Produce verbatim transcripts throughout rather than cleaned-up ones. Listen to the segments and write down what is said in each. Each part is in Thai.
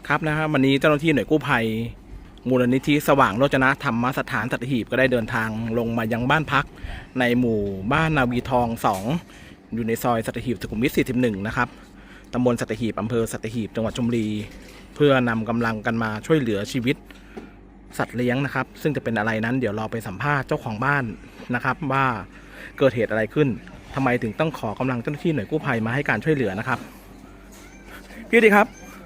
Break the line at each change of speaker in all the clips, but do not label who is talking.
ครับนะครับวันนี้เจ้าหน้าที่หน่วยกู้ภัยมูลนิธิสว่างโรจนธรรมสถานสัตหีบก็ได้เดินทางลงมายังบ้านพักในหมู่บ้านนาวีทองสองอยู่ในซอยสัตหีบสุขุมวิทสี่สิบเอ็ดนะครับตำบลสัตหีบอำเภอสัตหีบจังหวัดชลบุรีเพื่อนำกำลังกันมาช่วยเหลือชีวิตสัตว์เลี้ยงนะครับซึ่งจะเป็นอะไรนั้นเดี๋ยวเราไปสัมภาษณ์เจ้าของบ้านนะครับว่าเกิดเหตุอะไรขึ้นทำไมถึงต้องขอกำลังเจ้าหน้าที่หน่วยกู้ภัยมาให้การช่วยเหลือนะครับพี่ดีครับ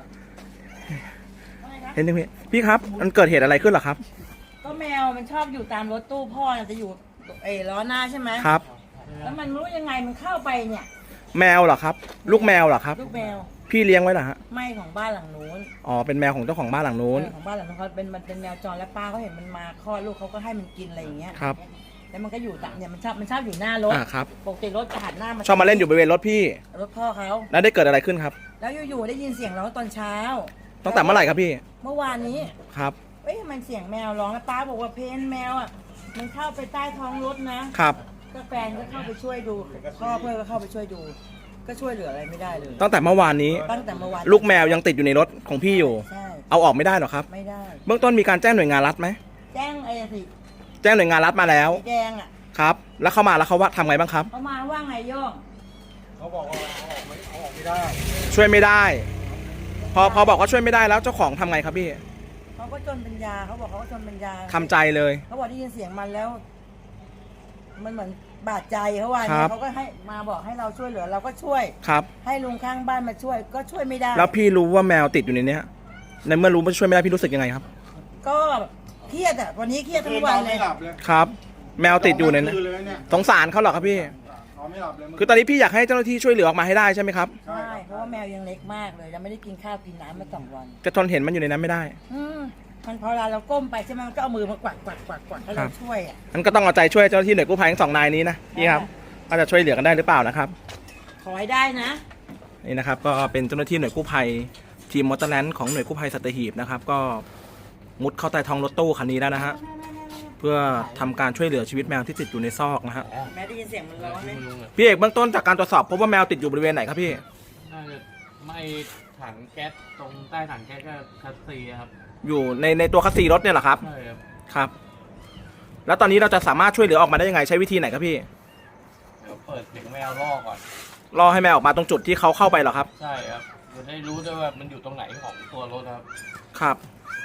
เห็นไหมพี่พี่ครับมันเกิดเหตุอะไรขึ้นเหรอครับ
ก็แมวมันชอบอยู่ตามรถตู้พ่อจะอยู่เอล้อหน้าใช่ไหม
ครับ
แล้วมันรู้ยังไงมันเข้าไปเนี่ย
แมวเหรอครับลูกแมวเหรอครับ
ลูกแมว
พี่เลี้ยงไว้เหรอฮะ
ไม่ของบ้านหลังนู้น
อ๋อเป็นแมวของเจ้าของบ้านหลังนู้น
ของบ้านหลังนู้นเขาเป็นมันเป็นแมวจรและป้าเขาเห็นมันมาคลอดลูกเขาก็ให้มันกินอะไรอย่างเงี้ย
ครับ
แล้วมันก็อยู่ตามเนี่ยมันชอบมันชอบอยู่หน้ารถ
อ่าครับ
ปกติรถจะหันหน้ามา
ชอบมาเล่นอยู่บริเวณรถพี่
รถพ่อเขา
แล้วได้เกิดอะไรขึ้นครับ
แล้วอยู่ๆได้ยินเสียงร้องตอนเช้า
ตั้งแต่เมื่อไหร่ครับพี่
เมื่อวานนี้
ครับ
เอ้ยมันเสียงแมวร้องแล้วป้าบอกว่าเพนแมวอ่ะมันเข้าไปใต้ท้องรถนะครับก็แฟนก็เข้าไปช่วยดูพ่อเพื่อนก็เข้าไปช่วยดูก็ช่วยเหลืออะไรไม่ได้เลย
ตั้งแต่เมื่อวานนี้
ตั้งแต่เมื่อวาน
ลูกแมวยังติดอยู่ในรถของพี่อยู่
ใช่
เอาออกไม่ได้หรอครับ
ไม่ได้
เบื้องต้นมีการแจ้งหน่วยงานรัฐไหม
แจ้งไอ้สิ
แจ้งหน่วยงานรัฐมาแล้ว
แจ้งอ่ะ
ครับแล้วเข้ามาแล้วเขาว่าทำไงบ้างครับ
เขามาว่าไงโย่ง
เขาบอกว่าเขาออกไม่เขาออกไม่ได้
ช่วยไม่ได้พอพอบอกว่าช่วยไม่ได้แล้วเจ้าของทำไงครับพี่
เขาก็จนปัญญาเขาบอกเขาก็จนปัญญา
ทำใจเลย
เขาบอกได้ยินเสียงมันแล้วมันเหมือนบาดใจเขาว่าเขาก็ให้มาบอกให้เราช่วยเหลือเราก็ช่วย
ครับ
ให้ลุงข้างบ้านมาช่วยก็ช่วยไม่ได้
แล้วพี่รู้ว่าแมวติดอยู่ในนี้ในเมื่อรู้ว่าช่วยไม่ได้พี่รู้สึกยังไงครับ
ก็เครียดอ่ะวันนี้เครียดทั้งวันเลย
ครับแมวติดอยู่ในนั้นสงสารเขาหรอครับพี่คือตอนนี้พี่อยากให้เจ้าหน้าที่ช่วยเหลือออกมาให้ได้ใช่ไหมครับ
ใช่เพราะว่าแมวยังเล็กมากเลยยังไม่ได้กินข้าวกินน้ำมาสองวัน
จะทนเห็นมันอยู่ในนั้นไม่ได้
อืมมันพอเวลาเราก้มไปใช่ไหมมันก็เอามือมากวัดกวัดกวัดกวัดให้เราช่วยอ่ะ
มันก็ต้องเอาใจช่วยเจ้าหน้าที่หน่วยกู้ภัยทั้งสองนายนี้นะพี่ครับว่าจะช่วยเหลือกันได้หรือเปล่านะครับ
ขอให้ได้นะ
นี่นะครับก็เป็นเจ้าหน้าที่หน่วยกู้ภัยทีมมอเตอร์แลนด์ของหน่วยกู้ภัยสัตหีบนะครับก็มุดเข้าใต้ท้องรถตู้คันนี้แล้วนะฮะเพื่อทำการช่วยเหลือชีวิตแมวที่ติดอยู่ในซอกนะฮะ
แม่ได้ยินเสียงมันร้องไหม
พี่เอกเบื้องต้นจากการตรวจสอบพบว่าแมวติดอยู่บริเวณไหนครับพี่
น่าจะไม่ถังแก๊สตรงใต้ถังแก๊สก็คัสซีครับ
อยู่ในในตัวคัสซีรถเนี่ยเหรอครับ
ใช่ครับ
ครับแล้วตอนนี้เราจะสามารถช่วยเหลือออกมาได้ยังไงใช้วิธีไหนครับพี่
เดี๋ยวเปิดเสียงแมวล่อก่อน
ล่อให้แมวออกมาตรงจุดที่เขาเข้าไปเหรอครับ
ใช่ครับจะได้รู้ด้วยว่ามันอยู่ตรงไหนของตัวรถครับ
ครับ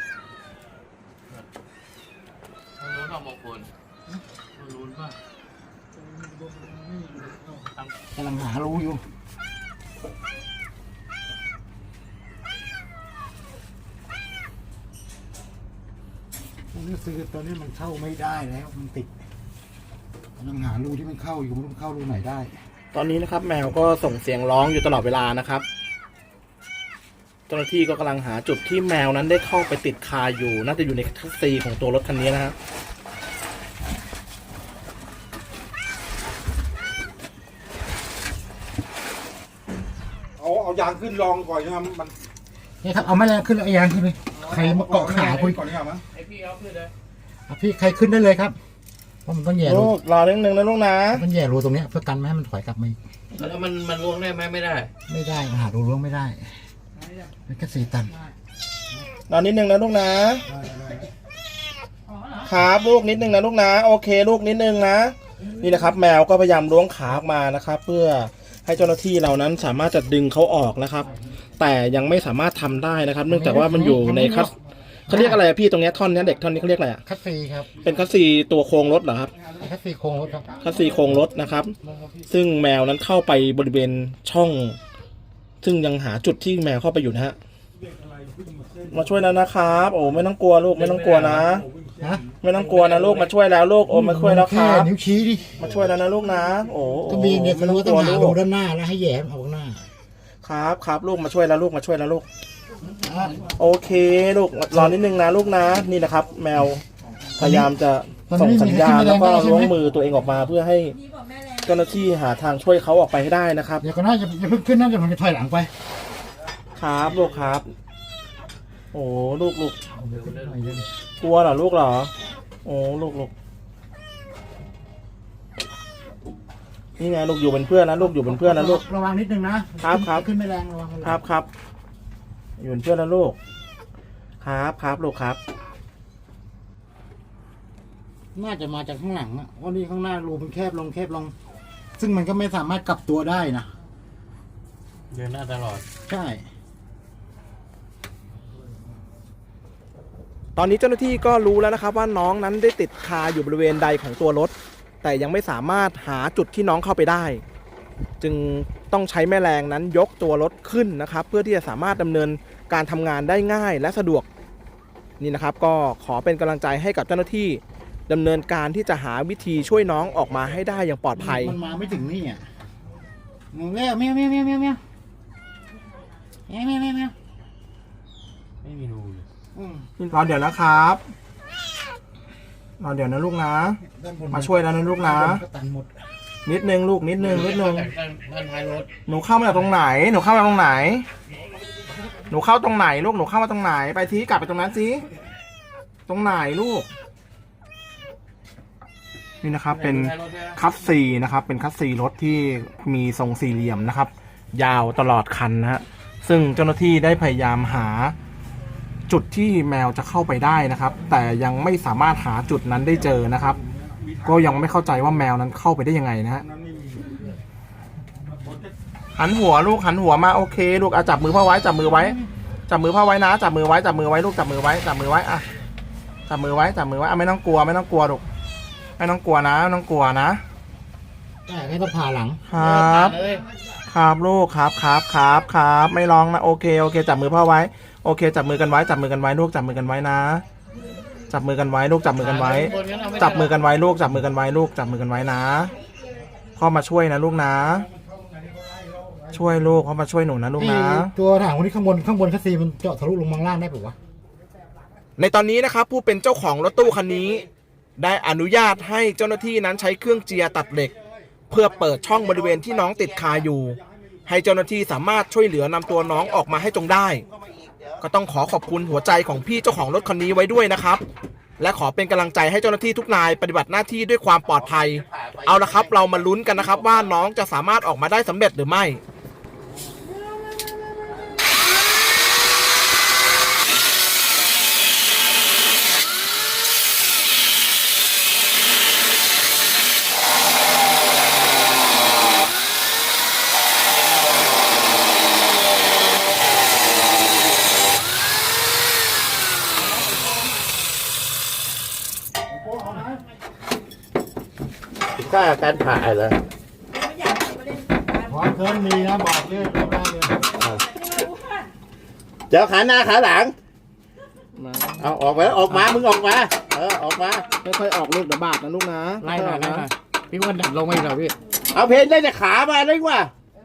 รู้ทำมงคลรู้ป่ะ
กำลังหารู้อยู่นี่ซื้อตอนนี้มันเข้าไม่ได้แล้วมันติดกำลังหารูที่มันเข้าอยู่มันเข้ารูไหนได้
ตอนนี้นะครับแมวก็ส่งเสียงร้องอยู่ตลอดเวลานะครับเจ้าหน้าที่ก็กำลังหาจุดที่แมวนั้นได้เข้าไปติดคาอยู่น่าจะอยู่ในคัสซีของตัวรถคันนี้นะครับ
เอาเอายางขึ้นลองก่อนใช่ไหมมัน
นี่ครับเอาแม่แรงขึ้นแล้วเอายางขึ้นเลยใครมาเกาะขาคุย
ก่อนดีกว่ามั้ย
ไอพี่เอาขึ้นเลย
พี่ใครขึ้นได้เลยครับเพราะมันต้องแย่รู
รอเรื่องหนึ่งนะลูกนะ
มันแย่รูตรงนี้เพื่อกันไม่ให้มันถอยกลับมา
แล้วมันมันล้วงได้ไหมไม่ได้
ไม่ได้หารูล้วงไม่ได้มันแค่สี่ตัน
รอนิดนึงนะลูกนะ ครับลูกนิดนึงนะลูกนะโอเคลูกนิดนึงนะนี่นะครับแมวก็พยายามล้วงขาออกมานะครับเพื่อให้เจ้าหน้าที่เรานั้นสามารถจะดึงเขาออกนะครับแต่ยังไม่สามารถทำได้นะครับเนื่องจากว่ามันอยู่ในคัสเขาเรียกอะไรพี่ตรงนี้ท่อนนี้เด็กท่อนนี้เขาเรียกอะไรอ่ะ
คัสซีครับ
เป็นคัสซีตัวโครงรถเหรอครับ
คัสซีโครงรถครับ
คัสซีโครงรถนะครับซึ่งแมวนั้นเข้าไปบริเวณช่องซึ่งยังหาจุดที่แมวเข้าไปอยู่นะฮะมาช่วยแล้วนะครับโอ้ไม่ต้องกลัวลูกไม่ต้องกลัวนะไม่ต้องกลัวนะลูกมาช่วยแล้วลูกโอ้มาช่วยแล้วครับ
นิ้วชี้ดิ
มาช่วยแล้วนะลูกนะโอ้
ก็มีเนี่ยไม่รู้ต้องหาดูด้านหน้าแล้วให้แย่ออกหน้า
ครับครับลูกมาช่วยแล้วลูกมาช่วยแล้วลูกโอเคลูกรอนิดนึงนะลูกนะนี่นะครับแมวพยายามจะส่งสัญญาณแล้วก็ล้วงมือตัวเองออกมาเพื่อให้เจ้าหน้าที่หาทางช่วยเขาออกไปให้ได้นะครับ
เดี๋ยวก็น่าจะจะเพิ่งขึ้นน่าจะมันจะถอยหลังไป
ครับลูกครับโอ้ลูกลูกกลัวเหรอลูกเหรอโอ้ลูกลูกนี่ไงลูกอยู่เป็นเพื่อนนะลูกอยู่เป็นเพื่อนนะลูก
ระวังนิดนึงนะครับครับขึ้นไม่แรงระวัง
ครับครับอยู่เป็นเพื่อนนะลูกครับครับลูกครับ
น่าจะมาจากข้างหลังอ่ะเพราะนี่ข้างหน้ารูมันแคบลงแคบลง ซึ่งมันก็ไม่สามารถกลับตัวได้นะ
เดินหน้าตลอด
ใช่
ตอนนี้เจ้าหน้าที่ก็รู้แล้วนะครับว่าน้องนั้นได้ติดคาอยู่บริเวณใดของตัวรถ แต่ยังไม่สามารถหาจุดที่น้องเข้าไปได้ จึงต้องใช้แม่แรงนั้นยกตัวรถขึ้นนะครับ เพื่อที่จะสามารถดำเนินการทำงานได้ง่ายและสะดวกนี่นะครับ ก็ขอเป็นกำลังใจให้กับเจ้าหน้าที่ดำเนินการที่จะหาวิธีช่วยน้องออกมาให้ได้อย่างปลอดภัย
มันมาไม่ถึงนี่อ่ะมึงแล้วแมวแมวแมวแมวแมวแมวแมวแมวแมว
ไม่มีรูเลย
อืม
รอเดี๋ยวนะครับรอเดี๋ยวนะลูกนะ
ด้านบน
มาช่วยแล้วนะลูกนะ
ด้านบก็ตันหมด
นิดนึงลูกนิดนึงนิดนึง
ด้านด้านท้ายรถ
หนูเข้ามาจากตรงไหน หนูเข้ามาตรงไหน หนูเข้าตรงไหนลูก หนูเข้ามาตรงไหน ไปทีกลับไปตรงนั้นสิตรงไหนลูก นี่นะครับ เป็น
ท้ายรถใช่ไหม
คัสซีนะครับ เป็นคัสซีรถที่มีทรงสี่เหลี่ยมนะครับ ยาวตลอดคันนะฮะ ซึ่งเจ้าหน้าที่ได้พยายามหาจุดที่แมวจะเข้าไปได้นะครับ แต่ยังไม่สามารถหาจุดนั้นได้เจอนะครับ ก็ยังไม่เข้าใจว่าแมวนั้นเข้าไปได้ยังไงนะฮะ หันหัวลูกหันหัวมาโอเคลูกอ่ะจับมือพ่อไว้จับมือไว้จับมือพ่อไว้นะจับมือไว้จับมือไว้ลูกจับมือไว้จับมือไว้อ่ะจับมือไว้จับมือไว้อ่ะไม่ต้องกลัวไม่ต้องกลัวลูกไม่ต้องกลัวนะไม่ต้องกลัวนะ
แต่ให้ต้องผ่าหลัง
ครับ
เลย
ครับลูกครับครับครับครับไม่ร้องนะโอเคโอเคจับมือพ่อไว้โอเคจับมือกันไว้จับมือกันไว้ลูกจับมือกันไว้นะจับมือกันไว้ลูกจับมือกันไว้จับมือกันไว้ลูกจับมือกันไว้ลูกจับมือกันไว้นะพ่อมาช่วยนะลูกนะ ช่วยลูกพ่อมาช่วยหนูนะลูกนะ
ไอ้ตัวถังคนนี้ข้างบนข้างบนคัสซีมันเจาะทะลุลงมาข้างล่างได้ปะวะ
ในตอนนี้นะครับผู้เป็นเจ้าของรถตู้คันนี้ ได้อนุญาตให้เจ้าหน้าที่นั้นใช้เครื่องเจียร์ตัดเหล็ก เพื่อเปิดช่องบริเวณที่น้องติดคาอยู่ ให้เจ้าหน้าที่สามารถช่วยเหลือนำตัวน้องออกมาให้จงได้ ก็ต้องขอขอบคุณหัวใจของพี่เจ้าของรถคันนี้ไว้ด้วยนะครับ และขอเป็นกำลังใจให้เจ้าหน้าที่ทุกนายปฏิบัติหน้าที่ด้วยความปลอดภัย เอาละครับเรามาลุ้นกันนะครับว่าน้องจะสามารถออกมาได้สำเร็จหรือไม่
ค่าการผ่าเหรอ
ไม่อยากให้มาเล่นการ
ขอเกินมีนะบอกเลยบอกได้เลย
เจ้าขาหน้าขาหลังเอาออกมาออกมามึงออกมาเออออกมา
ค่อยๆออกลูกเดี๋ยวบาดนะลูกนะ
ไล่หน่อยไล่หน่อยพี่อ้วนดัดลงมาอีกหน่อยพี่เอาเพนได้แต่ขามาเลยว่ะ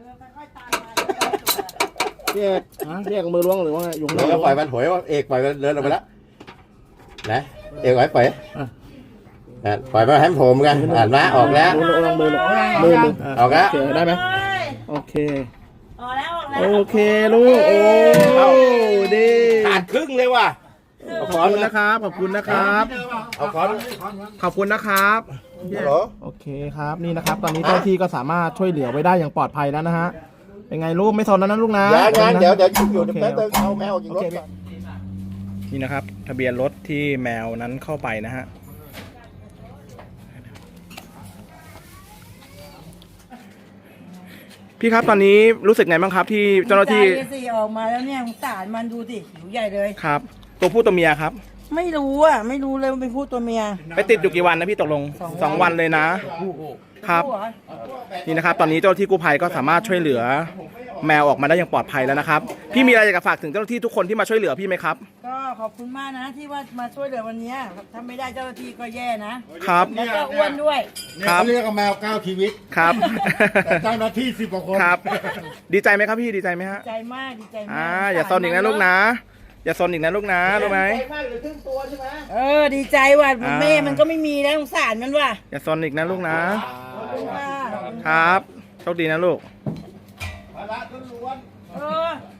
เรียกเรียกมือล้วงหรือว่าไงอยู่ข้างน
เดี๋
อย ก
วปล่อยมันถอยว่าเอกปล่อยมันเดินออกไปแล้วนะเอกไว้ปล่อยอ่ะปล่อยมาให้มันโผล่เหมือนกันอ่านมาออกแล้ว
มือลองมือลงมือมือ
ออกแล้ว
โอเคได้ไหมโอเค
ออกแล้วออกแล้ว
โอเคลูกโอ้ดี
ขาดครึ่งเลยว่ะ
ขอบคุณนะครับขอบคุณนะครับ
เอาคอน
ขอบคุณนะครับ
ฮัลโหล
โอเคครับนี่นะครับ ตอนนี้เจ้าหน้าที่ก็สามารถช่วยเหลือไว้ได้อย่างปลอดภัยแล้วนะฮะเป็นไงลูกไม่สนแล้วนะลูกนะ
ยังยังเดี๋ยวเดี๋ยวอยู่
โอ
เดี๋ยว
เค
แป๊บนึงเอาแมวออกจากรถ
โอเค
ก่อน
นี่นะครับ ทะเบียนรถที่แมวนั้นเข้าไปนะฮะพี่ครับตอนนี้รู้สึกไงบ้างครับที่เจ้าหน้าที่
ใจสิออกมาแล้วเนี่ยสงสารมันดูสิหิวใหญ่เลย
ครับ ตัวผู้ตัวเมียครับ
ไม่รู้อ่ะไม่รู้เลยว่าเป็นผู้ตัวเมีย
ไปติดอยู่กี่วันนะพี่ตกลงสองวันเลยนะครับ
ผู้เหอ
นี่นะครับ ตอนนี้เจ้าหน้าที่กู้ภัยก็สามารถช่วยเหลือแมวออกมาได้อย่างปลอดภัยแล้วนะครับ พี่มีอะไรอยากจะฝากถึงเจ้าหน้าที่ทุกคนที่มาช่วยเหลือพี่ไหมครับ
ก็ขอบคุณมากนะที่ว่ามาช่วยเหลือวันเนี้ยถ้าไม่ได้เจ้าหน้าที่ก็แย่นะครับ แล้วก็อ้วนด้วย
เนี่ยเขาเรียกว่าแมวเก้าชีวิต
ครับ
แต่เจ้าหน้าที่สิบกว่าคน
ครับ ดีใจไหมครับพี่ดีใจไหมฮะ
ใจมากดีใจมาก
อ่าอย่าซนอีกนะลูกนะ อย่าซนอีกนะลูกนะรู้ไหม
เออดีใจว่ะ
อ่า
แม่มันก็ไม่มีแล้วสงสารมันว่ะ
อย่าซนอีกนะลูกนะ
ขอบคุณค่ะ
ครับโชคดีนะลูก
เออ